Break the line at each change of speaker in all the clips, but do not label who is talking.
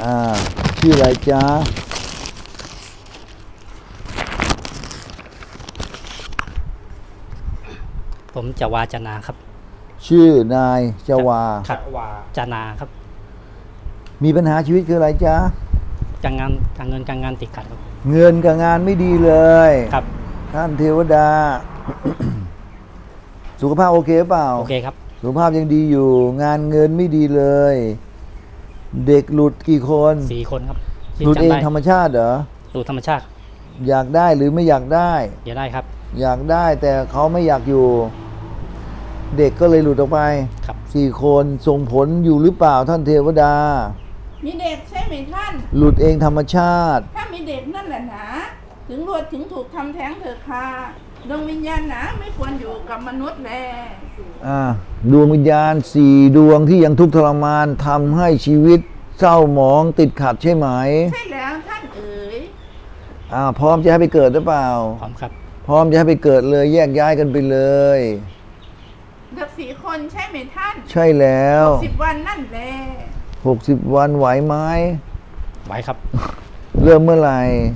อ่าชื่ออะไรจ๊ะ
ผมจะวาจนาครับ
ชื่อนายจวา
ครับจนาครับ
มีปัญหาชีวิตคืออะไรจ๊ะ
การเงินการงานติดขัดครับ
เงินกับงานไม่ดีเลย
ครับ
ท่านเทวดา สุขภาพโอเคเปล่า
โอเคครับ
สุขภาพยังดีอยู่ งานเงินไม่ดีเลย เด็กหลุดกี่คน
4 คนครับที่
หลุดเอง
จำได้
ธรรมชาติเหรอ
หลุดธรรมชาติ
อยากได้หรือไม่อยากได้
อย่าได้ครับ
อยากได้แต่เขาไม่อยากอยู่ เด็กก็เลยหลุดออกไป
ครับ
4 คนส่งผลอยู่หรือเปล่าท่านเทวดา
มีเด็กใช่ไหมท่าน
หลุดเองธรรมชาติ
ถ้ามีเด็กนั่นแหละหนะถึงรวดถึงถูกทำแท้งเถอะค่ะดวงวิญญาณหนะไม่ควรอยู่กับมนุษย์แล
ดวงวิญญาณ4 ดวงที่ยังทุกข์ทรมานทำให้ชีวิตเศร้าหมองติดขัดใช่ไหม
ใช่แล้วท่านเอ๋ย
พร้อมจะให้ไปเกิดหรือเปล่า
พร้อมครับ
พร้อมจะให้ไปเกิดเลยแยกย้ายกันไปเลย
เด็ก4 คนใช่ไหมท่าน
ใช่แล้ว
10 วันนั่นแหละ
60 วันไหวไหม
ไว้ครับ
เริ่มเมื่อไหร่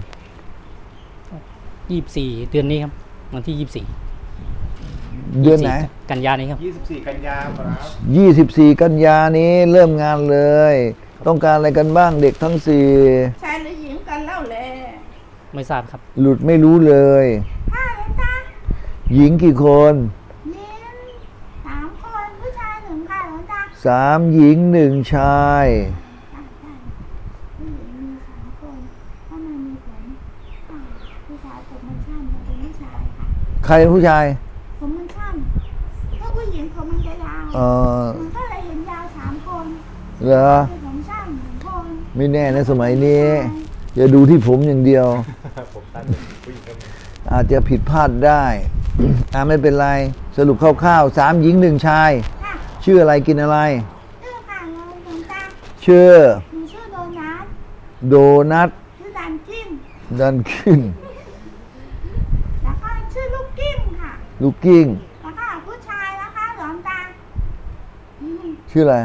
24 เดือนนี้ครับ วันที่ 24
เดือนไหน
24กันยานี้ครับ
24 กันยาครับ
24 กันยานี้เริ่มงานเลย ต้องการอะไรกันบ้างเด็กทั้ง
ชายหรือหญิงกันเล่าแล
ไม่ทราบครับ
4 หลุดไม่รู้เลย
ถ้าหลวงตา
หญิงกี่คน
หญิง3 คนผู้ชาย1ค่ะหลวงตา
3 หญิง 1 ชาย
ผู้หญิงมี3 คนถ้ามันมีผลผู้ชายผมมันช่ำมันเป็นผู้ชายค่ะ
ใครเป็นผู้ชาย
ผมมันช่ำถ้าผู้หญิงผมมันจะยาว มันก็เลยเห็นยาว3 คน
เหรอ
คือผมช่ำ1 คน
ไม่แน่นะสมัยนี้อย่าดูที่ผมอย่างเดียว
ผมตั้งเป็นผู้หญิงก็มี
อาจจะผิดพลาดได้ ไม่เป็นไร สรุปคร่าวๆ3 หญิง 1 ชาย
ค่ะ
ชื่ออะไรกินอะไร
ชื่อค่ะหลวงตา
ชื่อ
หนูชื่อโดนัท
โดนัท
ชื่อดันกิ้ง
ดันขึ้น
แล้วก็ชื่อลูกกิ้งค่ะ
ลูกกิ้ง
แล้วก็ผู้ชายนะคะหลวงตาอืม
ชื่ออะไร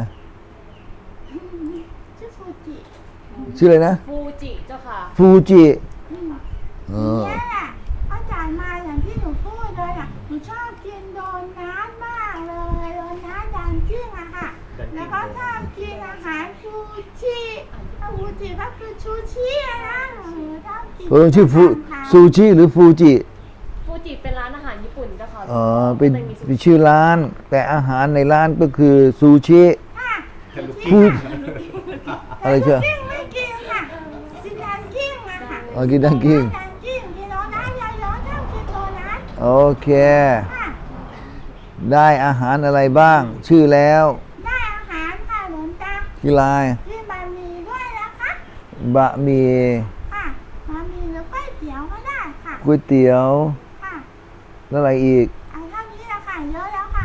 ชื่อฟูจิ
ชื่ออะไรนะ
ฟูจิเจ้าค่ะ
ฟูจิ
อืม
เออ
เนี่ยแหละเขาจ่ายมาอย่างที่หนูพูดเลยอ่ะหนูชอบกินโดนัทมากเลยโดนัทดันกิ้งอะค่ะ แล้วก็ชอบกินอาหารซูชิฟูจิก็คือชูชิอะนะหนูชอบกิน
ชื่อซูชิหรือฟูจิ
ฟูจิเป็นร้านอาหารญี่ปุ่นเจ้าค่ะ
เป็น
ก็ลยมีซูชิ
เป็นชื่อร้าน แต่อาหารในร้านก็คือซูชิ
ค่ะ
ฟู อะไรเชื่อ
กิ้งไม่กินค่ะกินดันกิ้งอะค่ะ
กินดังกิ้ง
ดันกิ้งกินโดนัทเยอะๆชอบกินโดนัท
โอเค
ค่ะ
ได้อาหารอะไรบ้าง ชื่อแล้ว
ได้อาหารค่ะหลวงตา
ชื่ออะไร
กินบะหมี่ด้วยนะคะ
บะหมี่
ค่ะบะหมี่หรือก๋วยเตี๋ยวก็ได้ค่ะ
ก๋วยเตี๋ยว
ค่ะ
แล้วอะไรอีก
เอาเท่านี้ละค่ะเยอะแล้วค่ะ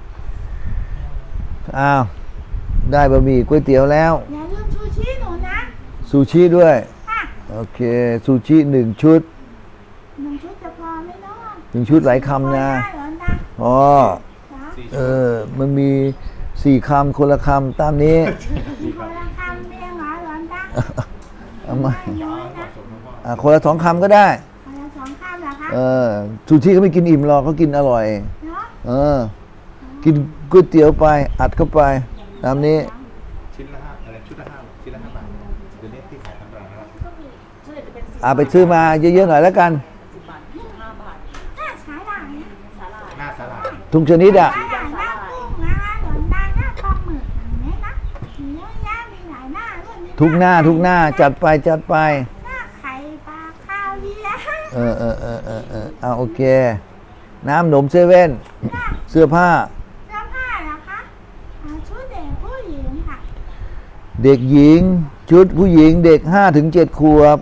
อ้าว ได้บะหมี่ก๋วยเตี๋ยวแล้ว
อย่าลืมชูชีหนูนะ
ซูชิด้วย
ค่ะ
โอเค ซูชิ1 ชุด
1 ชุดจะพอไหมเนาะ
1 ชุดหลายคำนะ
พอได้หลวงตา
อ๋อ
จ้ะ
มันมี4 คำคนละคำตามนี้
คนละคำเองเหรอหลวงตา
เอามา
ไม่น้อยนะ
คนละ2 คำก็ได้
คนละ2 คำเหรอคะ
ซูชิเขาไม่กินอิ่มหรอกเขากินอร่อย
เนาะ
กินก๋วยเตี๋ยวไป อัดเข้าไป ตามนี้
ชิ้นละ5อะไรชุดละ5ชิ้นละ5 บาทเดี๋ยวนี้ที่ขายตามร้านนะครับ
ก็มีส่วนใหญ่จะเป็น10
ไปซื้อมาเยอะๆหน่อยแล้วกัน
10 บาท15 บาท
ถ้าใช้หลังนะ
สาหร่าย
หน้าสลัด
ทุกชนิดอ่ะ
ใช้หลังหน้ากุ้งนะคะหลวงตาหน้าปลาหมึกอย่างนี้นะมีเยอะแยะมีหลายหน้าด้วยมี
ทุกหน้าจัดไป
หน้าไข่ปลาข้าวเลี้ยง
โอเค น้ำหนมเซเว่น เสื้อผ้า
เสื้อผ้าเหรอคะชุดเด็กผู้หญิงค่ะ
เด็กหญิง ชุดผู้หญิงเด็ก5 ถึง 7 ขวบ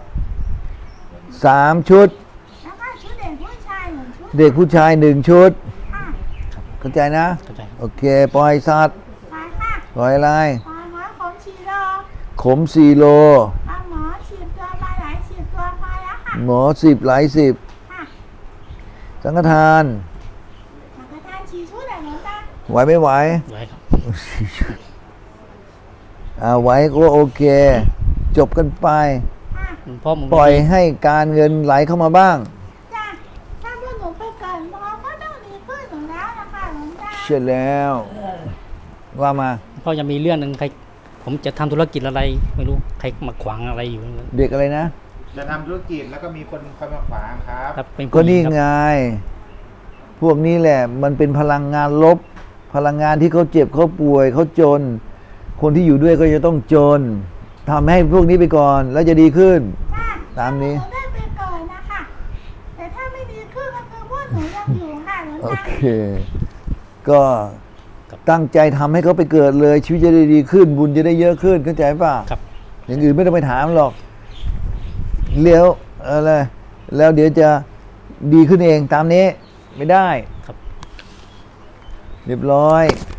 3 ชุด
แล้วก็ชุดเด็กผู้ชาย1 ชุด
เด็กผู้ชาย 1 ชุด
ค่ะ
เข้าใจนะ
เข้าใจครับ
โอเค ปล่อยสัตว์
ไปค่ะ
ปล่อยอะไร
ปลาหมอขมชีโล
ขม4 โล
ปลาหมอฉีดตัวปลาไหลฉีดตัวพอแล้วค่ะ
หมอ10 หลาย 10
ค่ะ
สังฆทาน
สังฆทานฉีดชุดอะไรหลวงตา
ไหวไม่ไหว
ไว้ครับ
ไหวก็โอเคจบกันไป
ค่ะ
เพราะผม
ปล่อยให้การเงินไหลเข้ามาบ้าง
จ้ะถ้าพวกหนูไปเกิดหมอก็ต้องดีขึ้นอยู่แล้วนะคะหลวงตา
เชื่อแล้ว ว่ามา
เพราะยังมีเรื่องหนึ่งใครผมจะทำธุรกิจอะไรไม่รู้ใครมาขวางอะไรอยู่
เด็กอะไรนะ
จะทำธุรกิจแล้วก็มีคนคอยมาขวางครับ
ครับเป็น
ก็
ผู้หญิ
นี่
งครับ
ไง พวกนี้แหละ มันเป็นพลังงานลบ พลังงานที่เขาเจ็บเขาป่วยเขาจน คนที่อยู่ด้วยก็จะต้องจนทำให้พวกนี้ไปก่อน แล้วจะดีขึ้น
จ้ะ
ตามนี้
หนูได้ไปเกิดนะคะแต่ถ้าไม่ดีขึ้นก็คือพวกหนูยังอยู่ค่ะหลวง
โอ
ตา
เค ก็ตั้งใจทำให้เขาไปเกิดเลย ชีวิตจะได้ดีขึ้น บุญจะได้เยอะขึ้นเข้าใจป่ะ
ครับ
อย่างอื่นไม่ต้องไปถามหรอกเลี้ยวอะไรแล้วเดี๋ยวจะดีขึ้นเองตามนี้ไม่ได้
ครับ
เรียบร้อย